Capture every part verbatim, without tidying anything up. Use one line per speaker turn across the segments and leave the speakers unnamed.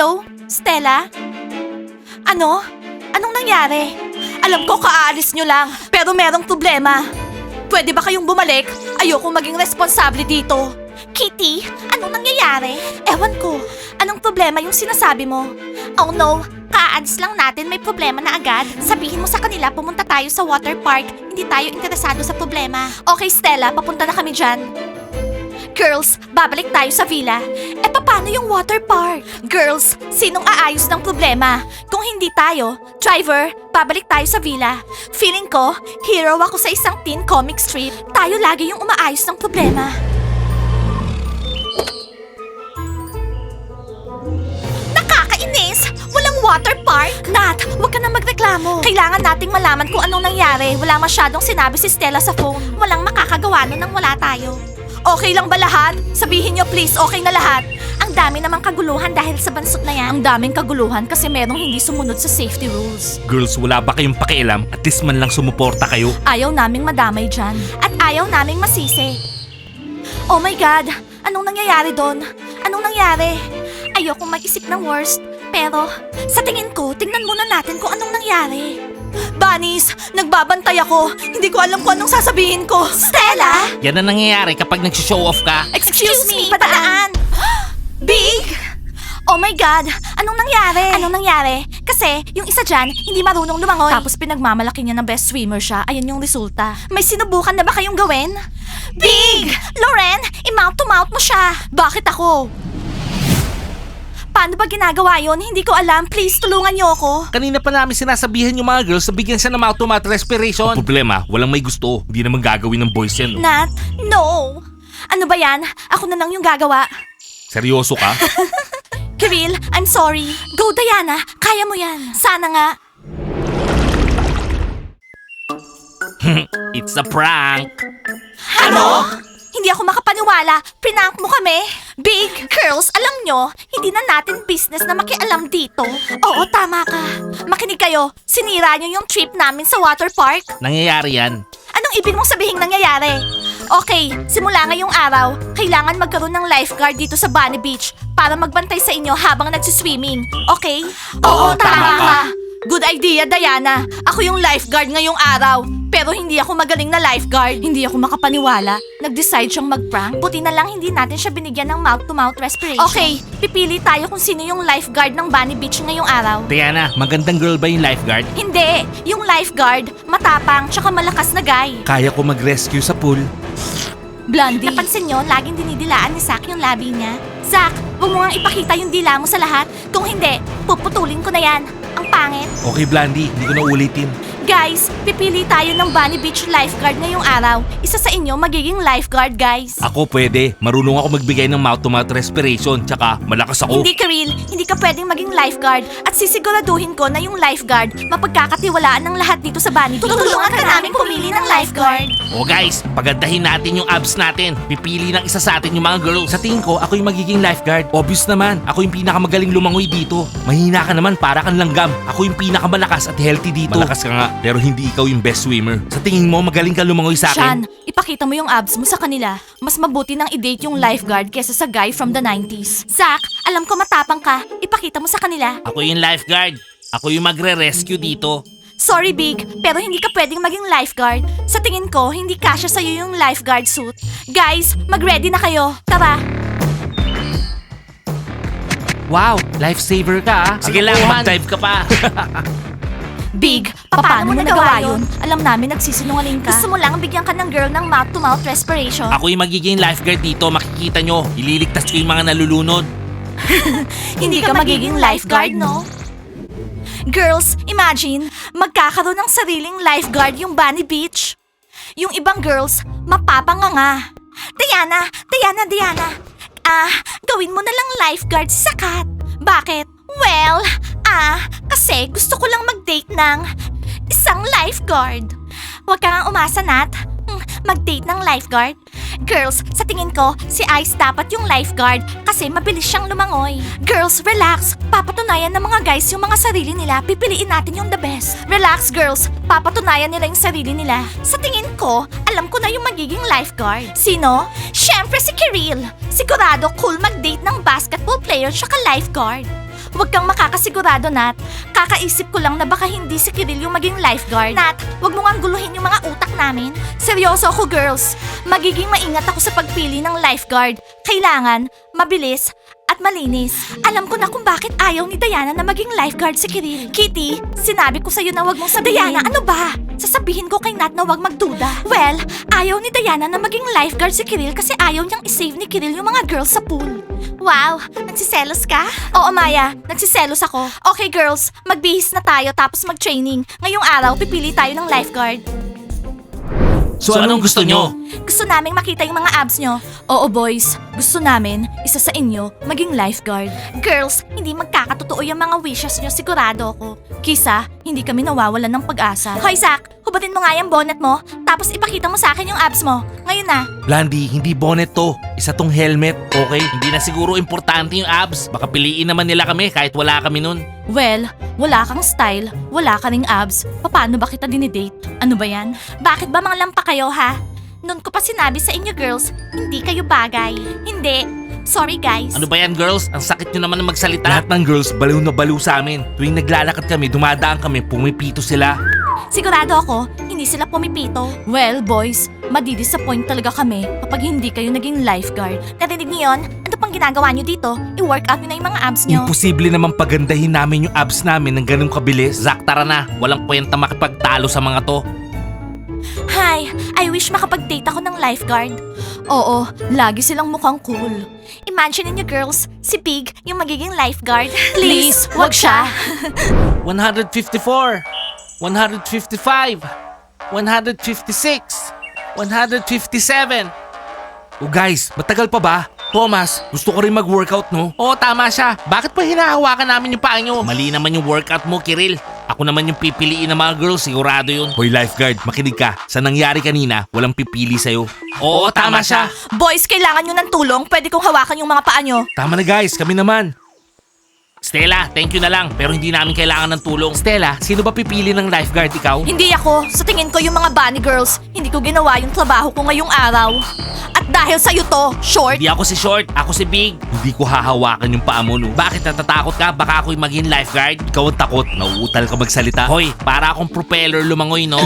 Hello? Stella? Ano? Anong nangyari? Alam ko kaaalis nyo lang, pero merong problema. Pwede ba kayong bumalik? Ayoko maging responsable dito. Kitty, anong nangyayari? Ewan ko. Anong problema yung sinasabi mo? Oh no, kaalis lang natin may problema na agad. Sabihin mo sa kanila pumunta tayo sa water park. Hindi tayo interesado sa problema. Okay Stella, papunta na kami dyan. Girls, babalik tayo sa villa. Eh paano yung water park? Girls, sinong aayos ng problema? Kung hindi tayo, driver, babalik tayo sa villa. Feeling ko, hero ako sa isang teen comic strip. Tayo lagi yung umaayos ng problema. Nakakainis! Walang water park! Nat, huwag ka na magreklamo. Kailangan nating malaman kung anong nangyari. Wala masyadong sinabi si Stella sa phone. Walang makakagawa nun nang wala tayo. Okay lang ba lahat? Sabihin nyo please, okay na lahat. Ang dami namang kaguluhan dahil sa bansot na yan. Ang daming kaguluhan kasi merong hindi sumunod sa safety rules.
Girls, wala ba kayong pakialam? At least man lang sumuporta kayo.
Ayaw naming madamay dyan. At ayaw naming masisi. Oh my God! Anong nangyayari doon? Anong nangyari? Ayokong mag-isip ng worst. Pero, sa tingin ko, tingnan muna natin kung anong nangyari. Bunnies, nagbabantay ako. Hindi ko alam kung anong sasabihin ko. Stella!
Yan ang nangyayari kapag nag-show off ka.
Excuse, me, padaan! Big! Oh my God! Anong nangyari? Anong nangyari? Kasi, yung isa dyan, hindi marunong lumangoy. Tapos pinagmamalaki niya na best swimmer siya. Ayun yung resulta. May sinubukan na ba kayong gawin? Big! Loren, i-mouth to mouth mo siya. Bakit ako? Paano ba ginagawa yon? Hindi ko alam. Please, tulungan niyo ako.
Kanina pa namin sinasabihan yung mga girls na bigyan siya ng mouth-to-mouth respiration. Ang problema, walang may gusto. Hindi naman gagawin ng boys yan. No?
Nat, no. Ano ba yan? Ako na lang yung gagawa.
Seryoso ka?
Kiril, I'm sorry. Go, Diana. Kaya mo yan. Sana nga.
It's a prank.
Ano? Hindi ako makapaniwala. Prank mo kami. Big girls, alam nyo, hindi na natin business na makialam dito. Oo, tama ka. Makinig kayo. Sinira nyo yung trip namin sa water park.
Nangyayari yan.
Anong ibig mong sabihing nangyayari? Okay, simula ngayong araw, kailangan magkaroon ng lifeguard dito sa Bunny Beach para magbantay sa inyo habang nagsiswimming. Okay?
Oo, tama ka.
Good idea, Diana. Ako yung lifeguard ngayong araw. Pero hindi ako magaling na lifeguard. Hindi ako makapaniwala. Nag-decide siyang mag-prank. Buti na lang hindi natin siya binigyan ng mouth-to-mouth respiration. Okay, pipili tayo kung sino yung lifeguard ng Bunny Beach ngayong araw.
Diana, magandang girl ba yung lifeguard?
Hindi, yung lifeguard, matapang tsaka malakas na guy.
Kaya ko mag-rescue sa pool.
Blondie. Napansin nyo, laging dinidilaan ni Zack yung labi niya. Zack, huwag mo nga ipakita yung dila mo sa lahat. Kung hindi, puputulin ko na yan. Ang pangit.
Okay, Blandy, hindi ko na ulitin.
Guys, pipili tayo ng Bunny Beach lifeguard ngayong araw. Isa sa inyo magiging lifeguard, guys.
Ako pwede. Marunong ako magbigay ng mouth-to-mouth respiration. Tsaka malakas ako.
Hindi, Karil. Hindi ka pwedeng maging lifeguard. At sisiguraduhin ko na yung lifeguard mapagkakatiwalaan ng lahat dito sa Bunny Beach. Tutulungan ka namin pumili ng lifeguard.
O guys, pagandahin natin yung abs natin. Pipili ng isa sa atin yung mga girls. Sa tingin ko, ako yung magiging lifeguard. Obvious naman, ako yung pinakamagaling lumangoy dito. Mahina ka naman, para kang langgam. Ako yung pinakamalakas at healthy dito. Malakas ka nga, pero hindi ikaw yung best swimmer. Sa tingin mo, magaling ka lumangoy sa
Sean,
akin?
ipakita mo yung abs mo sa kanila. Mas mabuti nang i-date yung lifeguard kesa sa guy from the nineties. Zack, alam ko matapang ka. Ipakita mo sa kanila.
Ako yung lifeguard. Ako yung magre-rescue dito.
Sorry, Big, pero hindi ka pwedeng maging lifeguard. Sa tingin ko, hindi kasya sa'yo yung lifeguard suit. Guys, mag-ready na kayo. Tara.
Wow, lifesaver ka ah. Sige lang, mag-dive ka pa.
Big, paano mo nagawa yun? Alam namin nagsisinungaling ka. Gusto mo lang bigyan ka ng girl ng mouth-to-mouth respiration.
Ako yung magiging lifeguard dito, makikita nyo. Ililigtas ko yung mga nalulunod.
Hindi ka magiging lifeguard, no? Girls, imagine, magkakaroon ng sariling lifeguard yung Bunny Beach. Yung ibang girls, mapapanganga. Diana, Diana, Diana. Ah, gawin mo na lang lifeguard si Sakat. Bakit? Well, ah, kasi gusto ko lang mag-date ng isang lifeguard. Huwag ka nga umasa, Nat. Hmm, Mag-date ng lifeguard? Girls, sa tingin ko, si Ice dapat yung lifeguard kasi mabilis siyang lumangoy. Girls, relax. Papatunayan ng mga guys yung mga sarili nila. Pipiliin natin yung the best. Relax, girls. Papatunayan nila yung sarili nila. Sa tingin ko, alam ko na yung magiging lifeguard. Sino? Siyempre si Kiril. Sigurado cool mag-date ng basketball player tsaka lifeguard. Huwag kang makakasigurado, Nat. Kakaisip ko lang na baka hindi si Kiril yung maging lifeguard. Nat, huwag mo nga guluhin yung mga utak namin. Seryoso ako, girls. Magiging maingat ako sa pagpili ng lifeguard. Kailangan, mabilis, at malinis. Alam ko na kung bakit ayaw ni Diana na maging lifeguard si Kiril. Kitty, sinabi ko sa'yo na wag mong sabihin. Diana, ano ba? Sasabihin ko kay Nat na wag magduda. Well, ayaw ni Diana na maging lifeguard si Kiril kasi ayaw niyang isave ni Kiril yung mga girls sa pool. Wow, nagsiselos ka? Oo, Maya, nagsiselos ako. Okay, girls, magbihis na tayo tapos mag-training. Ngayong araw, pipili tayo ng lifeguard.
So, anong gusto nyo?
Gusto naming makita yung mga abs nyo. Oo, boys. Gusto namin, isa sa inyo, maging lifeguard. Girls, hindi magkakatotoo yung mga wishes nyo, sigurado ako. Kisa, hindi kami nawawalan ng pag-asa. Hoy, Zach, hubatin mo nga yung bonnet mo, tapos ipakita mo sa akin yung abs mo. Ngayon na.
Blandy, hindi bonnet to. Isa tong helmet, okay? Hindi na siguro importante yung abs. Baka piliin naman nila kami kahit wala kami nun.
Well, wala kang style, wala ka ring abs. Paano ba kita dinidate? Ano ba yan? Bakit ba mga lampa kayo, ha? Noon ko pa sinabi sa inyo, girls, hindi kayo bagay. Hindi. Sorry, guys.
Ano ba yan, girls? Ang sakit nyo naman na magsalita. Lahat ng girls, baliw na baliw sa amin. Tuwing naglalakad kami, dumadaan kami, pumipito sila.
Sigurado ako, hindi sila pumipito. Well, boys, madidisappoint talaga kami kapag hindi kayo naging lifeguard. Narinig niyo yun? Ano pang ginagawa niyo dito? I-workout niyo na yung mga abs niyo.
Imposible naman pagandahin namin yung abs namin ng ganung kabilis. Zach, tara na. Walang kwenta makipagtalo sa mga to.
Hi, I wish makapag-date ako ng lifeguard. Oo, lagi silang mukhang cool. Imagine niyo, girls, si Pig yung magiging lifeguard. Please, wag siya.
one fifty-four, one fifty-five, one fifty-six, one fifty-seven. Oh guys, matagal pa ba? Thomas, gusto ko rin mag-workout, no? Oo, tama siya. Bakit pa hinahawakan namin yung paa nyo? Mali naman yung workout mo, Kiril. Ako naman yung pipiliin ng mga girls, sigurado yun. Hoy, lifeguard, makinig ka. Sa nangyari kanina, walang pipili sa'yo. Oo, tama siya.
Boys, kailangan nyo ng tulong. Pwede kong hawakan yung mga paa nyo.
Tama na guys, kami naman. Stella, thank you na lang, pero hindi namin kailangan ng tulong. Stella, sino ba pipili ng lifeguard, ikaw?
Hindi ako. Sa tingin ko yung mga bunny girls, hindi ko ginawa yung trabaho ko ngayong araw. At dahil sa'yo to, short.
Hindi ako si Short, ako si Big. Hindi ko hahawakan yung paa mo, no? Bakit natatakot ka? Baka ako'y maging lifeguard? Ikaw ang takot, nauutal ka magsalita. Hoy, para akong propeller lumangoy, no?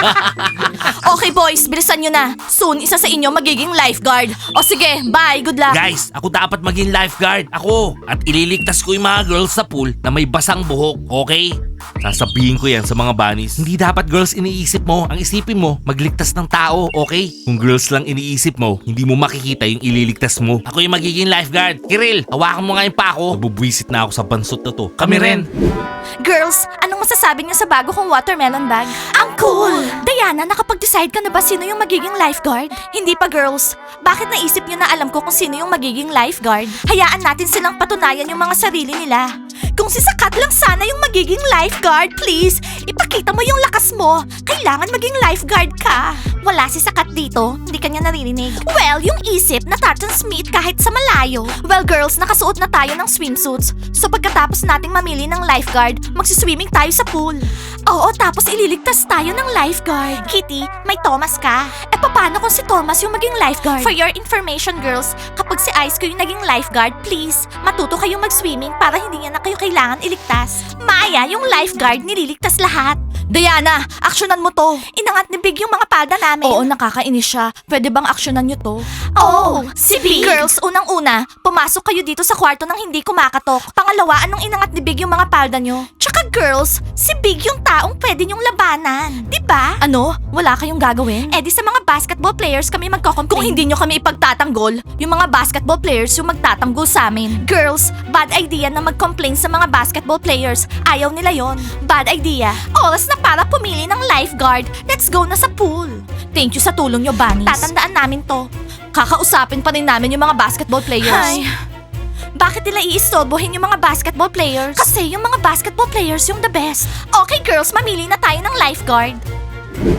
Okay boys, bilisan nyo na. Soon, isa sa inyo magiging lifeguard. O sige, bye, good luck.
Guys, ako dapat maging lifeguard. Ako. At ililigtas ko yung mga girls sa pool na may basang buhok, okay? Sasabihin ko yan sa mga bunnies. Hindi dapat girls iniisip mo. Ang isipin mo, magligtas ng tao, okay? Kung girls lang iniisip mo, hindi mo makikita yung ililigtas mo. Ako yung magiging lifeguard. Kiril, hawakan mo nga yung pa ako. Nabubwisit na ako sa bansot na to. Kami rin.
Girls, anong masasabi niyo sa bago kong watermelon bag? Ang cool! Diana, nakapag-decide ka na ba sino yung magiging lifeguard? Hindi pa, girls. Bakit naisip niyo na alam ko kung sino yung magiging lifeguard? Hayaan natin silang patunayan yung mga sarili nila. Kung si Sakat lang sana yung magiging lifeguard, please, ipakita mo yung lakas mo. Kailangan maging lifeguard ka. Wala si Sakat dito, hindi kanya naririnig. Well, yung isip na Smith kahit sa malayo. Well, girls, nakasuot na tayo ng swimsuits. So pagkatapos nating mamili ng lifeguard, magsiswimming tayo sa pool. Oo, tapos ililigtas tayo ng lifeguard. Kitty, may Thomas ka. Eh paano kung si Thomas yung maging lifeguard? For your information, girls, kapag si Ice ko yung naging lifeguard, please, matuto kayong mag-swimming para hindi niya na kayo kailangan iligtas. Maya, yung lifeguard nililigtas lahat. Diana, aksyonan mo to. Inangat ni Big yung mga palda namin. Oo, nakakainis siya. Pwede bang aksyonan nyo to? Oh, si Big. Girls, unang-una, pumasok kayo dito sa kwarto nang hindi kumakatok. Pangalawa, anong inangat ni Big yung mga palda nyo? Tsaka girls, si Big yung taong pwede nyong labanan. Diba? Ano? Wala kayong gagawin? Eh di sa mga basketball players kami magko-complain. Kung hindi nyo kami ipagtatanggol, yung mga basketball players yung magtatanggol sa amin. Girls, bad idea na mag-complain sa mga basketball players. Ayaw nila yon. Bad idea. Oras na para pumili ng lifeguard. Let's go na sa pool. Thank you sa tulong nyo, bunnies. Tatandaan namin to. Kakausapin pa rin namin yung mga basketball players. Hi. Bakit nila iistorbohin yung mga basketball players? Kasi yung mga basketball players yung the best. Okay girls, mamili na tayo ng lifeguard.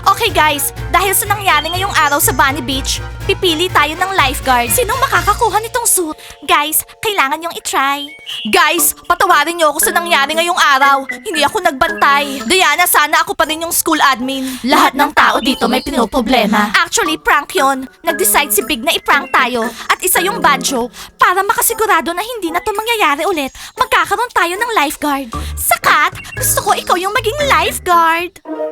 Okay guys, dahil sa nangyari ngayong araw sa Bunny Beach, pipili tayo ng lifeguard. Sinong makakakuha nitong suit? Guys, kailangan yung itry. Guys, patawarin niyo ako sa nangyari ngayong araw. Hindi ako nagbantay. Diana, sana ako pa rin yung school admin. Lahat ng tao dito may pinoproblema. Actually, prank yon. Nag-decide si Big na i-prank tayo. At isa yung bad joke. Para makasigurado na hindi na to mangyayari ulit, magkakaroon tayo ng lifeguard. Sakat, gusto ko ikaw yung maging lifeguard.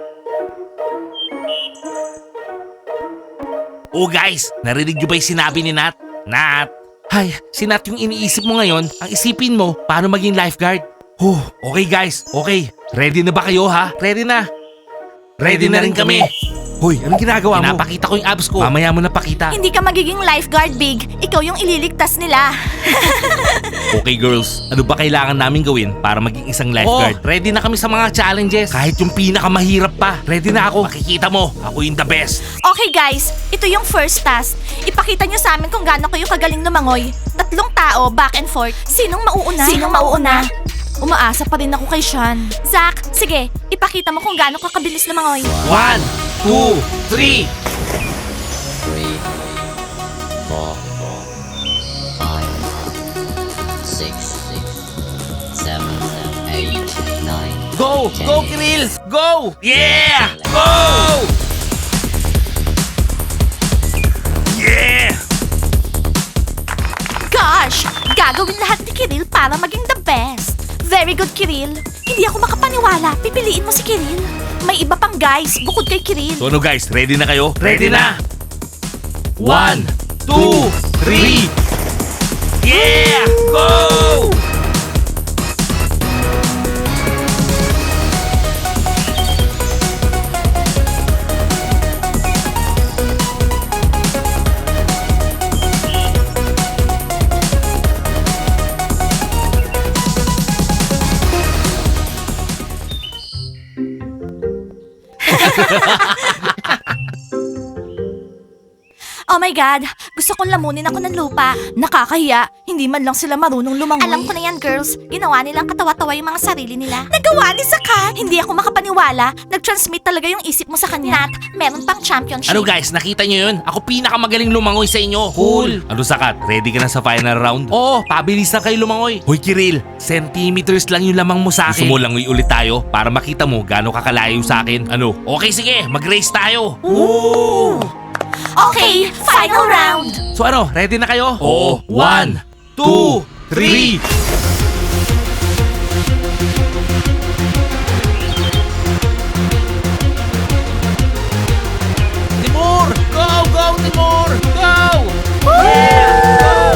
Oh guys, narinig niyo ba yung sinabi ni Nat? Nat! Hay, si Nat yung iniisip mo ngayon, ang isipin mo, paano maging lifeguard? Huh, okay guys, okay. Ready na ba kayo ha? Ready na? Ready, na rin kami. Hoy, anong ginagawa mo? Pinapakita ko yung abs ko. Mamaya mo napakita.
Hindi ka magiging lifeguard, Big. Ikaw yung ililigtas nila.
Okay girls, ano ba kailangan namin gawin para maging isang lifeguard? Oh, ready na kami sa mga challenges. Kahit yung pinakamahirap pa. Ready na ako. Makikita mo, ako yung the best.
Okay guys, ito yung first task. Ipakita nyo sa amin kung gaano kayo kagaling lumangoy. Tatlong tao, back and forth. Sinong mauuna? Sinong mauuna? Umaasa pa rin ako kay Sean. Zach, sige, ipakita mo kung gaano ka kabilis lumangoy.
One, two, three.
Three, four, five, six, seven, eight, nine.
Go! Go, Kiril! Go! Yeah! Go! Yeah!
Gosh! Gagawin lahat ni Kiril para maging the best. Very good, Kiril. Hindi ako makapaniwala. Pipiliin mo si Kiril. May iba pang guys bukod kay Kiril.
So ano guys, ready na kayo? Ready na! One, two, three! Yeah! Go!
Oh my God! Gusto kong lamunin ako ng lupa. Nakakahiya. Hindi man lang sila marunong lumangoy. Alam ko na yan, girls. Ginawa nilang katawa-tawa yung mga sarili nila. Nagawa ni Sakat! Hindi ako makapaniwala. Nag-transmit talaga yung isip mo sa kanya. Nat, meron pang championship.
Ano guys, nakita nyo yun? Ako pinakamagaling lumangoy sa inyo. Cool! Ano Sakat, ready ka na sa final round? Oo, pabilis na kayo lumangoy. Hoy Kiril, centimeters lang yung lamang mo sa akin. Gusto mo langoy ulit tayo para makita mo gaano kakalayo sa akin? Ano? Okay sige, mag-race tayo. Woo!
Okay, final round!
So ano, ready na kayo? Oo. One, two, three! Timur! Go! Go, Timur! Go! Yeah!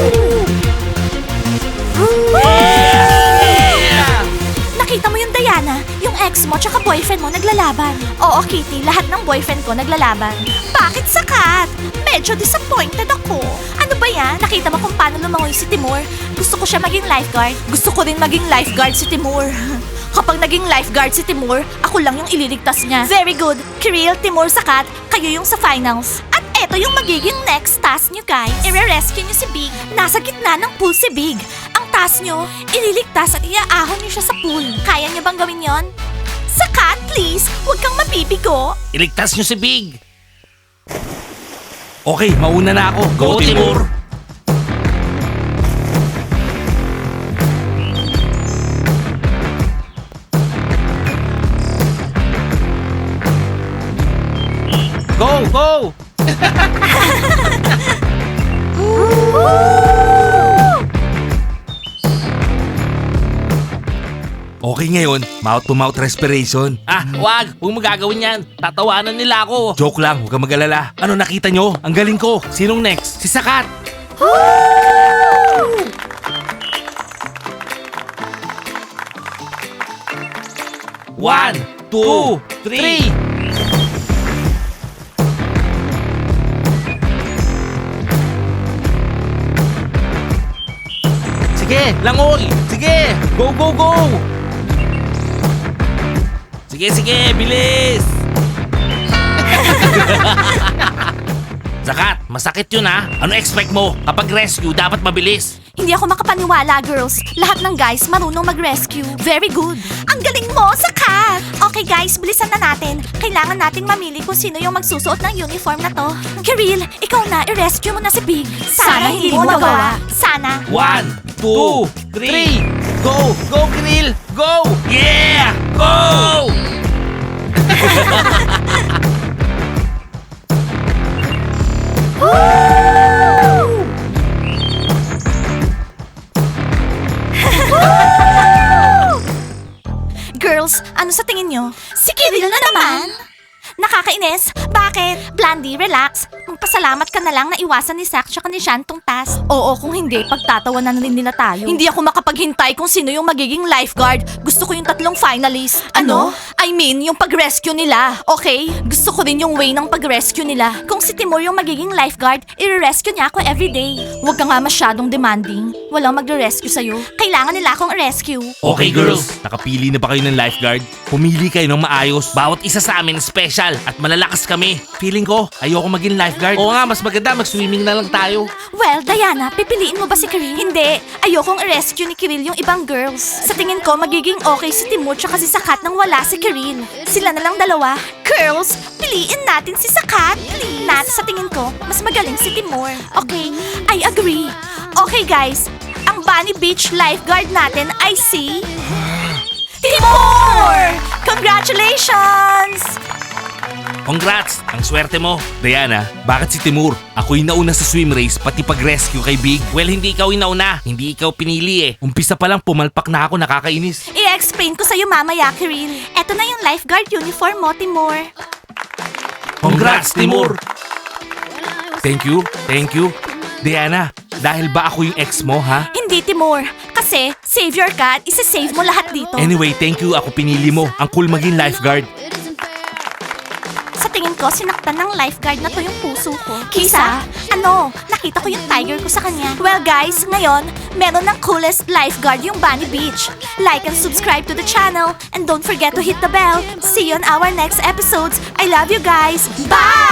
Go! Yeah!
Nakita mo yung Diana? Yung ex mo tsaka boyfriend mo naglalaban. Oo, Kitty, lahat ng boyfriend ko naglalaban. Bakit Sakat? Medyo disappointed ako. Ano ba yan? Nakita mo kung paano lumangoy si Timur? Gusto ko siya maging lifeguard. Gusto ko rin maging lifeguard si Timur. Kapag naging lifeguard si Timur, ako lang yung ililigtas niya. Very good. Kiril, Timur, Sakat, kayo yung sa finals. At eto yung magiging next task nyo guys. I-rescue nyo si Big. Nasa gitna ng pool si Big. Ang task nyo, ililigtas at iaahon nyo siya sa pool. Kaya nyo bang gawin yon? Sakat, please, huwag kang mapipigo.
Iligtas nyo si Big! Okay, mauna na ako. Go, Timur! Go, go! Okay ngayon, mouth-to-mouth respiration. Ah, wag! Huwag mo gagawin yan. Tatawanan nila ako. Joke lang, huwag kang mag-alala. Ano nakita nyo? Ang galing ko. Sinong next? Si Sakat! One, two, three! Sige, langoy! Sige! Go, go, go! Sige, sige, bilis! Sakat, masakit yun ha. Ano expect mo? Kapag rescue, dapat mabilis.
Hindi ako makapaniwala, girls. Lahat ng guys marunong mag-rescue. Very good. Ang galing mo, Sakat! Okay, Okay guys, bilisan na natin. Kailangan nating mamili kung sino yung magsusuot ng uniform na to. Kiril, ikaw na, i-rescue mo na si Big. Sana, hindi mo magawa. Sana.
One, two, three, go! Go, Krill! Go! Yeah! Go!
Girls, ano sa tingin nyo? Si Kiril na naman! Nakakainis? Bakit? Blandy, relax. Magpasalamat ka na lang na iwasan ni Zach tsaka ni Shan tong task. Oo, kung hindi, pagtatawanan na rin nila tayo. Hindi ako makapaghintay kung sino yung magiging lifeguard. Gusto ko yung tatlong finalist. Ano? I mean, yung pag-rescue nila. Okay? Gusto ko rin yung way ng pag-rescue nila. Kung si Timur yung magiging lifeguard, i-rescue niya ako everyday. Huwag ka nga masyadong demanding. Walang magre-rescue sa'yo. Kailangan nila akong rescue.
Okay, girls. Nakapili na ba kayo ng lifeguard? Pumili kayo ng maayos. Bawat isa sa amin special at malalakas kami. Feeling ko, ayoko maging lifeguard. Oo nga, mas maganda mag-swimming na lang tayo.
Well, Diana, pipiliin mo ba si Kiril? Hindi. Ayokong i-rescue ni Kiril yung ibang girls. Sa tingin ko, magiging okay si Timur tsaka si Sakat nang wala si Kiril. Sila na lang dalawa. Girls, piliin natin si Sakat. Please. Nat, sa tingin ko, mas magaling si Timur. Okay, I agree. Okay guys, ang Bunny Beach lifeguard natin ay si... Timur! Congratulations!
Congrats! Ang swerte mo. Diana, bakit si Timur? Ako yung nauna sa swim race, pati pag-rescue kay Big. Well, hindi ikaw yung nauna. Hindi ikaw pinili eh. Umpisa pa lang, pumalpak na ako, nakakainis.
I-explain ko sa'yo mamaya, Kiril. Eto na yung lifeguard uniform mo, Timur.
Congrats, Timur! Thank you, thank you. Diana, dahil ba ako yung ex mo, ha?
Hindi, Timur. Kasi, savior ka at isa-save mo lahat dito.
Anyway, thank you. Ako pinili mo. Ang cool maging lifeguard.
Sa tingin ko, sinaktan ng lifeguard na to yung puso ko. Kisa? Ano? Nakita ko yung tiger ko sa kanya. Well guys, ngayon, meron ng coolest lifeguard yung Bunny Beach. Like and subscribe to the channel. And don't forget to hit the bell. See you on our next episodes. I love you guys. Bye!